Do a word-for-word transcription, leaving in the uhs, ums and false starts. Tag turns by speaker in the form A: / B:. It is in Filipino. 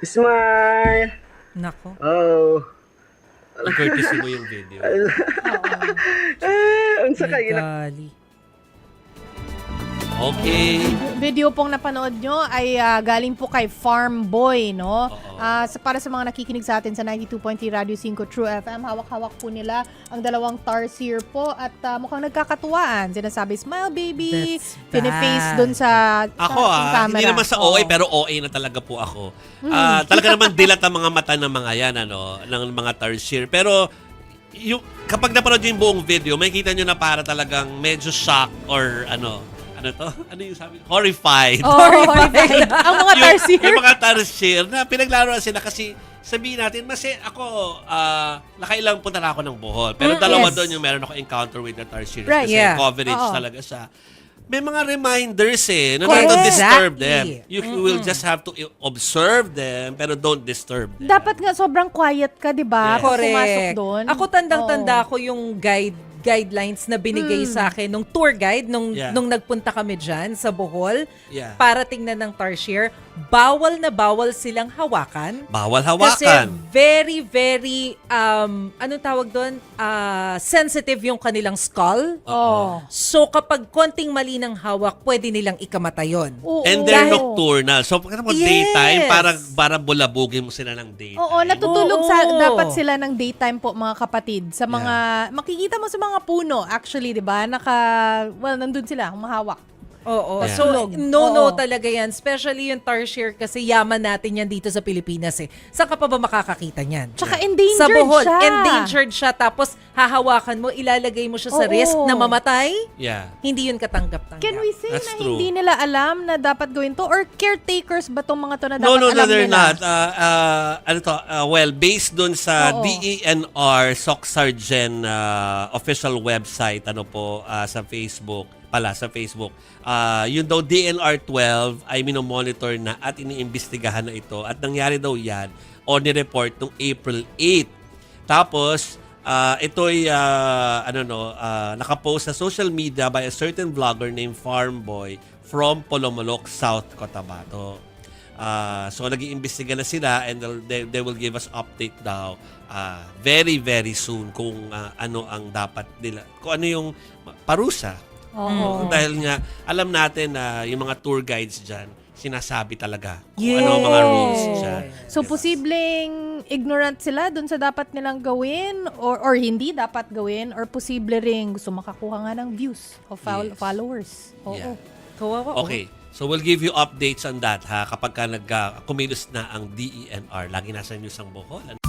A: Smile!
B: Nako.
A: Oh.
C: Courtesy mo yung video.
A: Ah, unsa kay ina.
B: Gali.
C: Okay.
D: Video pong napanood nyo ay ah, galing po kay Farm Boy, no?
C: Oo.
D: Ah, sa, para sa mga nakikinig sa atin sa ninety-two point three Radio five True F M, hawak-hawak po nila ang dalawang tarsier po at ah, mukhang nagkakatuwaan. Sinasabi, smile baby,
B: That's
D: piniface
B: bad.
D: dun sa,
C: Ako
D: sa
C: ah,
D: camera.
C: hindi naman sa O A,
D: Oo.
C: pero O A na talaga po ako. Ah, talaga naman dilat ang mga mata ng mga yan, ano, ng mga tarsier. Pero, yung, kapag napanood nyo yung buong video, makikita nyo na para talagang medyo shock or ano, ano to? Ano yung sabi? Horrified.
D: Oh, horrified. Ang mga
C: yung,
D: tarsier.
C: yung mga tarsier na pinaglaruan sila kasi sabihin natin, mas eh, ako, ah, nakailang punta na ako ng Bohol. Pero
B: Mm,
C: dalawa
B: yes.
C: doon yung meron ako encounter with the tarsier.
D: Right.
C: Kasi
B: Yeah.
C: coverage
D: Oo.
C: talaga siya. May mga reminders eh, na
B: Correct.
C: not to disturb them.
B: Exactly.
C: You will just have to i- observe them, pero don't disturb them.
D: Dapat nga sobrang quiet ka, di ba?
C: Yes.
D: Pag pumasok
B: Correct.
D: doon.
B: Ako tandang-tanda
D: Oo.
B: ko yung guide guidelines na binigay sa akin nung tour guide nung
C: Yeah.
B: nung nagpunta kami diyan sa Bohol
C: Yeah.
B: para tingnan ng tarsier. Bawal na bawal silang hawakan.
C: Bawal
B: Kasi
C: hawakan.
B: very, very, um, anong tawag doon? Ah, sensitive yung kanilang skull.
D: Oh.
B: So kapag konting mali ng hawak, pwede nilang ikamatay yun.
D: Oo.
C: And they're
B: Dahil-
C: nocturnal. So, pag
B: Yes.
C: daytime, parang, parang bulabugin mo sila ng daytime.
D: Oo, natutulog
B: Oo.
D: sa dapat sila ng daytime po mga kapatid. Sa mga makikita mo sa mga puno actually, 'di ba? Naka well, nandun sila, humahawak.
B: Oo.
C: Yeah.
B: So,
D: Tulog.
B: no-no
D: Oo.
B: talaga yan. Especially yung tarsier kasi yaman natin yan dito sa Pilipinas eh. Saan ka pa ba makakakita niyan?
D: Tsaka endangered
B: Sa Bohol,
D: siya.
B: endangered siya. Tapos hahawakan mo, ilalagay mo siya sa
D: Oo.
B: risk na mamatay.
C: Yeah.
B: Hindi yun katanggap-tanggap.
D: Can we say
C: That's
D: na
C: true.
D: hindi nila alam na dapat gawin to? Or caretakers ba tong mga to na dapat
C: No, no, no,
D: alam
C: they're
D: nila?
C: not. Uh, uh, ano to? Uh, well, based dun sa
D: Oo.
C: D E N R, SOCSARGEN uh, official website, ano po, uh, sa Facebook, pala sa Facebook, uh, yun daw D N R twelve ay minomonitor na at iniimbestigahan na ito at nangyari daw yan o ni-report noong April eighth. Tapos, uh, ito'y, uh, ano no, uh, nakapost sa social media by a certain vlogger named Farmboy from Polomolok, South Cotabato. Uh, so, nag-iimbestiga na sila and they'll- they, they will give us update daw uh, very, very soon kung uh, ano ang dapat nila, kung ano yung parusa.
D: Oo.
C: Dahil nga, alam natin na yung mga tour guides dyan, sinasabi talaga kung
B: Yes.
C: ano ang mga rules dyan.
D: So,
C: Diba?
D: posibleng ignorant sila dun sa dapat nilang gawin or or hindi dapat gawin or posible ring gusto makakuha nga ng views of fol-
C: Yes.
D: followers. Oo.
C: Yeah.
B: Kawawa. oh.
C: Okay. So, we'll give you updates on that ha kapag ka nag, uh, kumilos na ang D E N R. Lagi nasa news ang Bohol.